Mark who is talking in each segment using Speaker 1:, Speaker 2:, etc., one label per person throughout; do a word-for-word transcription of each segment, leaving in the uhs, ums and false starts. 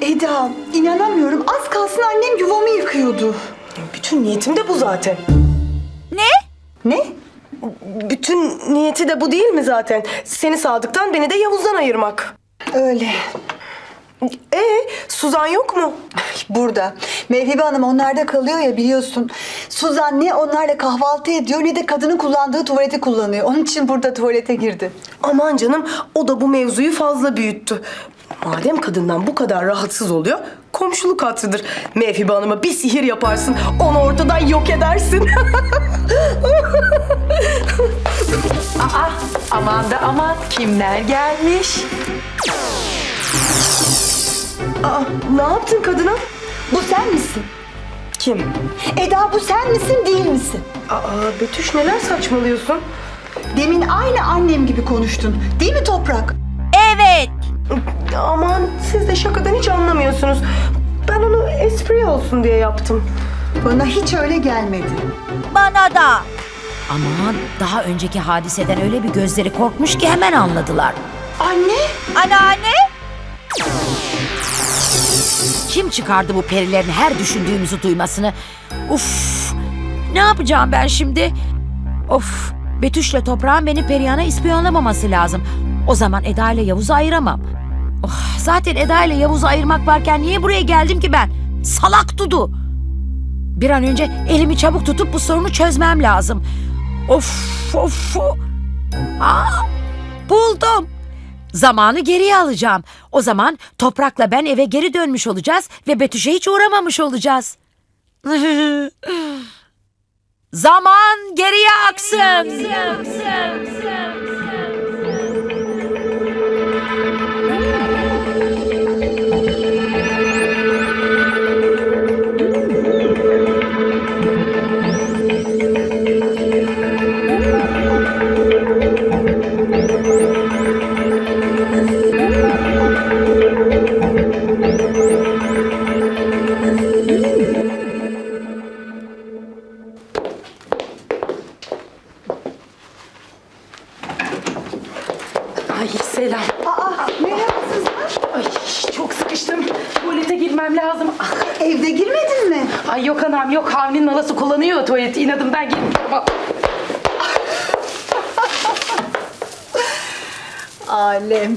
Speaker 1: Eda, inanamıyorum. Az kalsın annem yuvamı yıkıyordu.
Speaker 2: Bütün niyetim de bu zaten.
Speaker 3: Ne?
Speaker 1: Ne?
Speaker 2: Bütün niyeti de bu değil mi zaten? Seni Sadık'tan, beni de Yavuz'dan ayırmak.
Speaker 1: Öyle.
Speaker 2: Ee, Suzan yok mu?
Speaker 1: Burada. Mevhibe Hanım onlarda kalıyor ya, biliyorsun. Suzan ne onlarla kahvaltı ediyor ne de kadının kullandığı tuvaleti kullanıyor. Onun için burada tuvalete girdi.
Speaker 2: Aman canım, o da bu mevzuyu fazla büyüttü. Madem kadından bu kadar rahatsız oluyor, komşuluk hatırıdır. Mevhibe Hanım'a bir sihir yaparsın, onu ortadan yok edersin.
Speaker 4: Aa, aman da aman, kimler gelmiş?
Speaker 2: Aa, ne yaptın kadına?
Speaker 1: Bu sen misin?
Speaker 2: Kim?
Speaker 1: Eda, bu sen misin değil misin?
Speaker 2: Aa, Betüş, neler saçmalıyorsun?
Speaker 1: Demin aynı annem gibi konuştun. Değil mi Toprak?
Speaker 3: Evet.
Speaker 2: Aman, siz de şakadan hiç anlamıyorsunuz. Ben onu espri olsun diye yaptım.
Speaker 1: Bana hiç öyle gelmedi.
Speaker 3: Bana da.
Speaker 5: Aman, daha önceki hadiseden öyle bir gözleri korkmuş ki hemen anladılar.
Speaker 1: Anne!
Speaker 3: Anneanne.
Speaker 5: Kim çıkardı bu perilerin her düşündüğümüzü duymasını? Uf! Ne yapacağım ben şimdi? Of! Betüş'le Toprağın beni Perihan'a ispiyonlamaması lazım. O zaman Eda ile Yavuz'u ayıramam. Oh, zaten Eda ile Yavuz'u ayırmak varken niye buraya geldim ki ben? Salak Dudu! Bir an önce elimi çabuk tutup bu sorunu çözmem lazım. Of! Of! Aa, buldum! Zamanı geriye alacağım. O zaman Toprak'la ben eve geri dönmüş olacağız ve Betüş'e hiç uğramamış olacağız. Zaman geriye aksın.
Speaker 4: Ay selam.
Speaker 1: Aa, merhaba Suzan.
Speaker 4: Ay çok sıkıştım. Tuvalete girmem lazım. Ah,
Speaker 1: Evde girmedin mi?
Speaker 4: ay yok anam yok. Avni'nin halası kullanıyor tuvaleti. İnadımdan girmiyorum.
Speaker 1: Alem.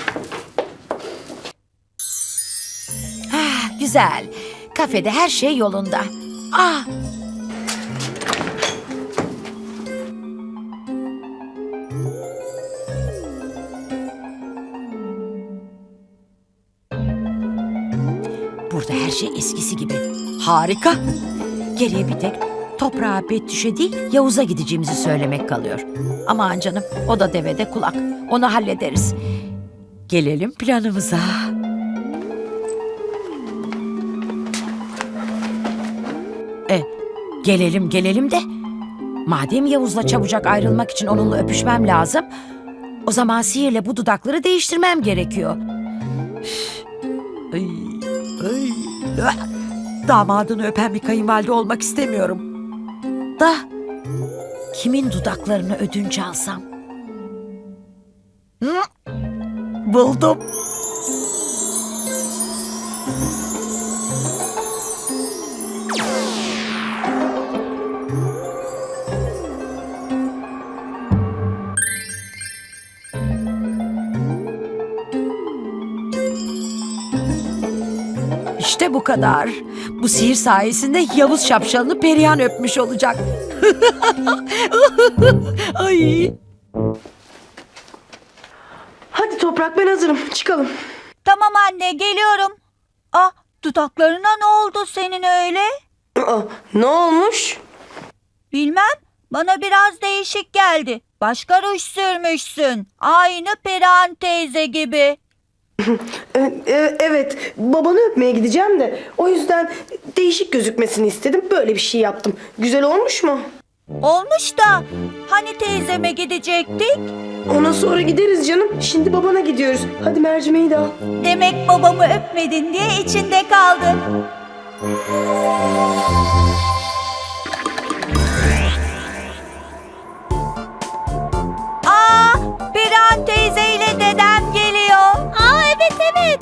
Speaker 5: Ah, güzel. Kafede her şey yolunda. Ah, burada her şey eskisi gibi. Harika. Geriye bir tek Toprağa, Betüş'e değil Yavuz'a gideceğimizi söylemek kalıyor. Aman canım, o da devede kulak. Onu hallederiz. Gelelim planımıza. E, gelelim gelelim de madem Yavuz'la çabucak ayrılmak için onunla öpüşmem lazım, o zaman sihirle bu dudakları değiştirmem gerekiyor. Üf. Ay, ay. Ah! Damadını öpen bir kayınvalide olmak istemiyorum. Da kimin dudaklarını ödünç alsam? Hı? Buldum. İşte bu kadar. Bu sihir sayesinde Yavuz şapşalını Perihan öpmüş olacak. Ay.
Speaker 2: Hadi Toprak, ben hazırım. Çıkalım.
Speaker 3: Tamam anne, geliyorum. Ah, dudaklarına ne oldu senin öyle?
Speaker 2: Aa, ne olmuş?
Speaker 3: Bilmem. Bana biraz değişik geldi. Başka ruj sürmüşsün. Aynı Perihan teyze gibi.
Speaker 2: E, e, evet, babanı öpmeye gideceğim de o yüzden değişik gözükmesini istedim. Böyle bir şey yaptım. Güzel olmuş mu?
Speaker 3: Olmuş da hani teyzeme gidecektik?
Speaker 2: Ona sonra gideriz canım. Şimdi babana gidiyoruz. Hadi mercimeği de al.
Speaker 3: Demek babamı öpmedin diye içinde kaldı. Aa, Perihan teyze ile dedem geliyor. Aa, evet evet.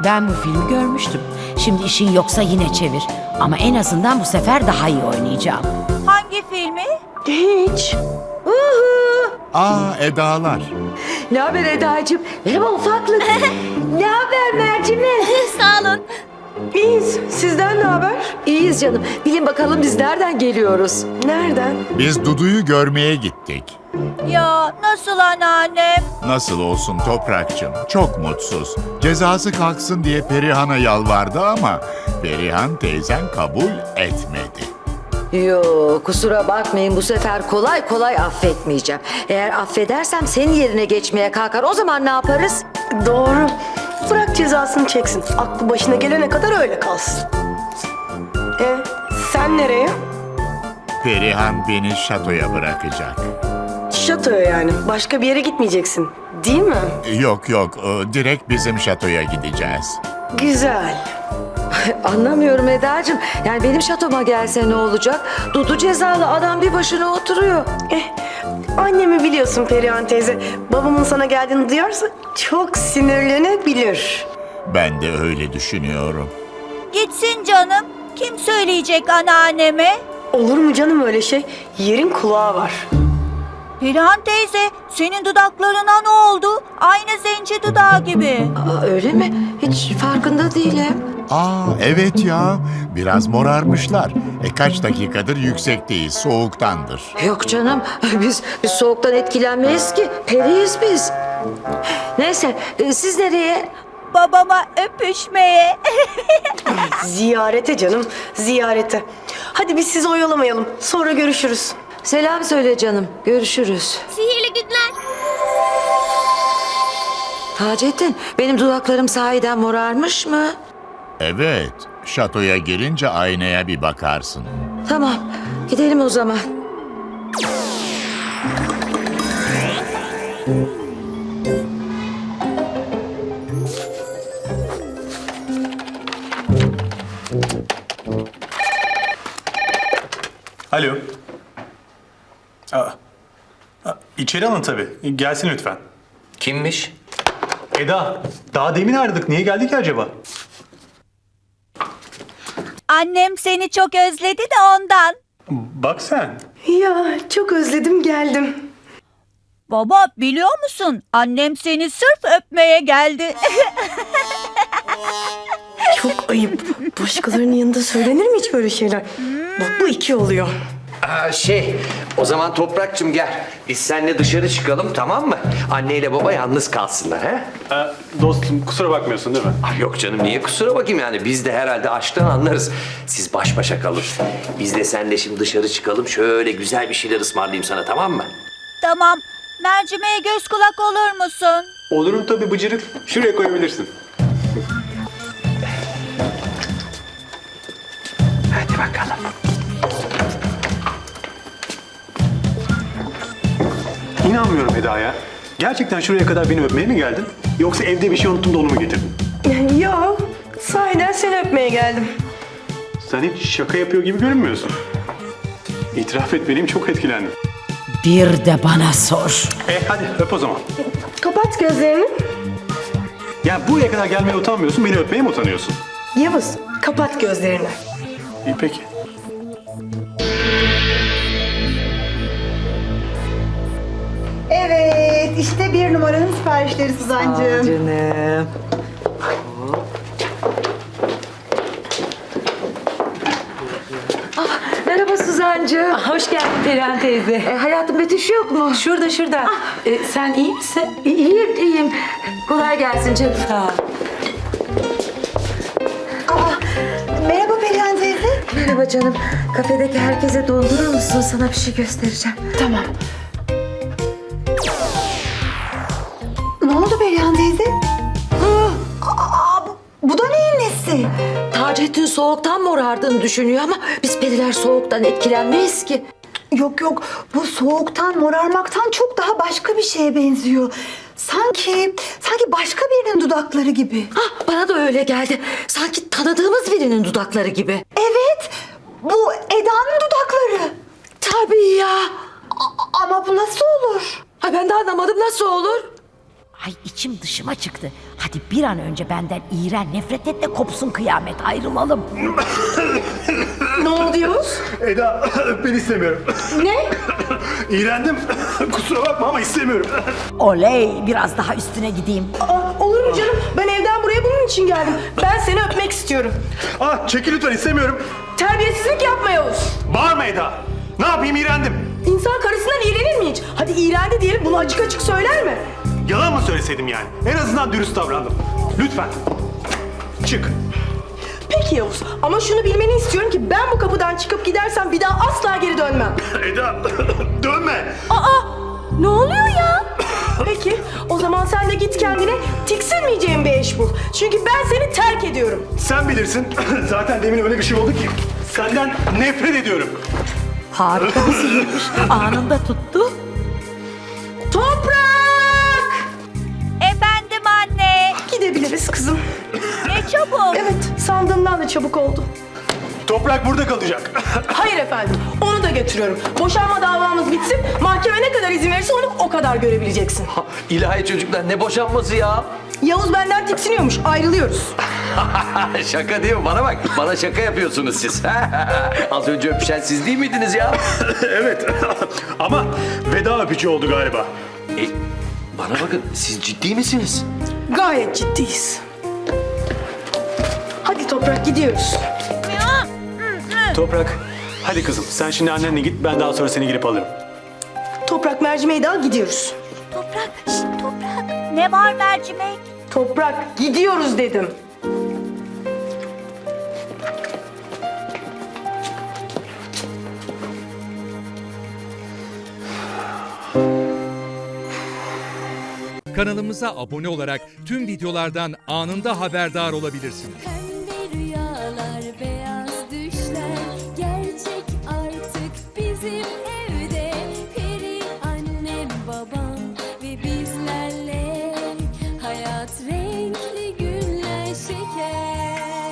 Speaker 5: Ben bu filmi görmüştüm. Şimdi işin yoksa yine çevir. Ama en azından bu sefer daha iyi oynayacağım.
Speaker 3: Hangi filmi?
Speaker 2: Hiç.
Speaker 6: Aa Edalar.
Speaker 7: Ne haber Eda'cığım? Merhaba ufaklık. Ne haber Mercimek?
Speaker 3: Sağ olun.
Speaker 2: İyiyiz. Sizden ne haber?
Speaker 7: İyiyiz canım. Bilin bakalım biz nereden geliyoruz?
Speaker 2: Nereden?
Speaker 6: Biz Dudu'yu görmeye gittik.
Speaker 3: Ya nasıl anneannem?
Speaker 6: Nasıl olsun Toprakçım? Çok mutsuz. Cezası kalksın diye Perihan'a yalvardı ama Perihan teyzen kabul etmedi.
Speaker 7: Yo kusura bakmayın bu sefer kolay kolay affetmeyeceğim. Eğer affedersem senin yerine geçmeye kalkar. O zaman ne yaparız?
Speaker 2: Doğru. Bırak cezasını çeksin. Aklı başına gelene kadar öyle kalsın. E sen nereye?
Speaker 6: Perihan beni şatoya bırakacak.
Speaker 2: Şatoya yani. Başka bir yere gitmeyeceksin. Değil mi?
Speaker 6: Yok yok, e, direkt bizim şatoya gideceğiz.
Speaker 2: Güzel.
Speaker 7: Anlamıyorum Eda'cığım. Yani benim şatoma gelse ne olacak? Dudu cezalı adam bir başına oturuyor.
Speaker 2: Eh, annemi biliyorsun Perihan teyze. Babamın sana geldiğini duyarsa çok sinirlenebilir.
Speaker 6: Ben de öyle düşünüyorum.
Speaker 3: Gitsin canım. Kim söyleyecek anneanneme?
Speaker 2: Olur mu canım öyle şey? Yerin kulağı var.
Speaker 3: Perihan teyze, senin dudaklarına ne oldu? Aynı zenci dudağı gibi.
Speaker 7: Aa, öyle mi? Hiç farkında değilim.
Speaker 6: Aa evet ya, biraz morarmışlar. E kaç dakikadır yüksekteyiz, soğuktandır.
Speaker 7: Yok canım biz, biz soğuktan etkilenmeyiz ki. Periyiz biz. Neyse e, siz nereye?
Speaker 3: Babama öpüşmeye.
Speaker 2: Ziyarete canım, ziyarete. Hadi biz sizi oyalamayalım. Sonra görüşürüz.
Speaker 7: Selam söyle canım. Görüşürüz.
Speaker 3: Sihirli günler.
Speaker 7: Taceddin benim dudaklarım sahiden morarmış mı?
Speaker 6: Evet, şatoya girince aynaya bir bakarsın.
Speaker 7: Tamam gidelim o zaman.
Speaker 8: Alo. Aa, aa, içeri alın tabii. Gelsin lütfen.
Speaker 9: Kimmiş?
Speaker 8: Eda, daha demin aradık. Niye geldi ki acaba?
Speaker 3: Annem seni çok özledi de ondan.
Speaker 8: Bak sen.
Speaker 2: Ya çok özledim geldim.
Speaker 3: Baba biliyor musun? Annem seni sırf öpmeye geldi.
Speaker 2: Çok ayıp. Başkalarının yanında söylenir mi hiç böyle şeyler? Bak bu iki oluyor.
Speaker 9: Aa, şey, o zaman Toprakçım gel. Biz seninle dışarı çıkalım, tamam mı? Anneyle baba yalnız kalsınlar, he?
Speaker 8: Ee, dostum kusura bakmıyorsun değil mi?
Speaker 9: Ah, yok canım, niye kusura bakayım yani? Biz de herhalde aşktan anlarız. Siz baş başa kalın. Biz de seninle şimdi dışarı çıkalım. Şöyle güzel bir şeyler ısmarlayayım sana, tamam mı?
Speaker 3: Tamam. Mercimeğe göz kulak olur musun?
Speaker 8: Olurum tabii bıcırık. Şuraya koyabilirsin.
Speaker 9: Hadi bakalım.
Speaker 8: İnanmıyorum Eda ya. Gerçekten şuraya kadar beni öpmeye mi geldin? Yoksa evde bir şey unuttum da onu mu getirdin?
Speaker 2: Yo, sahiden seni öpmeye geldim.
Speaker 8: Sen hiç şaka yapıyor gibi görünmüyorsun. İtiraf etmeliyim, çok etkilendim.
Speaker 5: Bir de bana sor.
Speaker 8: E hadi öp o zaman.
Speaker 2: Kapat gözlerini.
Speaker 8: Ya buraya kadar gelmeye utanmıyorsun, beni öpmeye mi utanıyorsun?
Speaker 2: Yavuz, kapat gözlerini.
Speaker 8: İyi peki.
Speaker 1: Evet, işte bir numaranın siparişleri Suzancığım.
Speaker 7: Canım. Ah, merhaba Suzancığım.
Speaker 4: Hoş geldin Perihan teyze.
Speaker 7: E, hayatım Betüş yok mu?
Speaker 4: Şurada şurada. Ee, sen iyi misin?
Speaker 7: İyiyim, iyiyim. Kolay gelsin canım.
Speaker 4: Sağ ol.
Speaker 1: Aa, merhaba Perihan teyze.
Speaker 7: Merhaba canım. Kafedeki herkese dondurur musun? Sana bir şey göstereceğim.
Speaker 4: Tamam.
Speaker 1: Ne oldu Perihan teyze? Aa, bu, bu da neyin nesi?
Speaker 7: Taceddin soğuktan morardığını düşünüyor ama biz periler soğuktan etkilenmeyiz ki.
Speaker 1: Yok yok, bu soğuktan, morarmaktan çok daha başka bir şeye benziyor. Sanki, sanki başka birinin dudakları gibi.
Speaker 7: Ah, bana da öyle geldi. Sanki tanıdığımız birinin dudakları gibi.
Speaker 1: Evet, bu Eda'nın dudakları.
Speaker 7: Tabii ya.
Speaker 1: A- ama bu nasıl olur?
Speaker 7: Ay ben de anlamadım nasıl olur?
Speaker 5: Ay içim dışıma çıktı. Hadi bir an önce benden iğren, nefret et de kopsun kıyamet, ayrılalım.
Speaker 2: Ne oldu Yavuz?
Speaker 8: Eda ben istemiyorum.
Speaker 2: Ne?
Speaker 8: İğrendim. Kusura bakma ama istemiyorum.
Speaker 5: Oley, biraz daha üstüne gideyim.
Speaker 2: Aa, olur mu canım? Ben evden buraya bunun için geldim. Ben seni öpmek istiyorum.
Speaker 8: Ah çekil lütfen istemiyorum.
Speaker 2: Terbiyesizlik yapma Yavuz.
Speaker 8: Bağırma Eda. Ne yapayım iğrendim.
Speaker 2: İnsan karısından iğrenir mi hiç? Hadi iğrendi diyelim, bunu açık açık söyler mi?
Speaker 8: Yalan mı söyleseydim yani? En azından dürüst davrandım. Lütfen. Çık.
Speaker 2: Peki Yavuz, ama şunu bilmeni istiyorum ki ben bu kapıdan çıkıp gidersem bir daha asla geri dönmem.
Speaker 8: Eda dönme.
Speaker 2: Aa! Ne oluyor ya? Peki, o zaman sen de git kendine tiksinmeyeceğin bir eş bul. Çünkü ben seni terk ediyorum.
Speaker 8: Sen bilirsin. Zaten demin öyle bir şey oldu ki. Senden nefret ediyorum.
Speaker 5: Harika bir sihirmiş, anında tuttu.
Speaker 2: Toprak!
Speaker 3: Efendim anne.
Speaker 2: Gidebiliriz kızım.
Speaker 3: Ne çabuk.
Speaker 2: Evet, sandığımdan da çabuk oldu.
Speaker 8: Toprak burada kalacak.
Speaker 2: Hayır efendim, onu da götürüyorum. Boşanma davamız bitsin, mahkeme ne kadar izin verirse onu o kadar görebileceksin.
Speaker 9: İlahi çocuklar ne boşanması ya?
Speaker 2: Yavuz benden tiksiniyormuş, ayrılıyoruz.
Speaker 9: Şaka değil mi? Bana bak. Bana şaka yapıyorsunuz siz. Az önce öpüşen siz değil miydiniz ya?
Speaker 8: Evet. Ama veda öpücüğü oldu galiba.
Speaker 9: E, bana bakın siz ciddi misiniz?
Speaker 2: Gayet ciddiyiz. Hadi Toprak, gidiyoruz.
Speaker 8: Toprak. Hadi kızım sen şimdi annenle git ben daha sonra seni gelip alırım.
Speaker 2: Toprak, mercimeği de al, gidiyoruz.
Speaker 3: Toprak, şşt, toprak. Ne var mercimek?
Speaker 2: Toprak, gidiyoruz dedim.
Speaker 10: Kanalımıza abone olarak tüm videolardan anında haberdar olabilirsiniz.
Speaker 11: Pembe rüyalar ve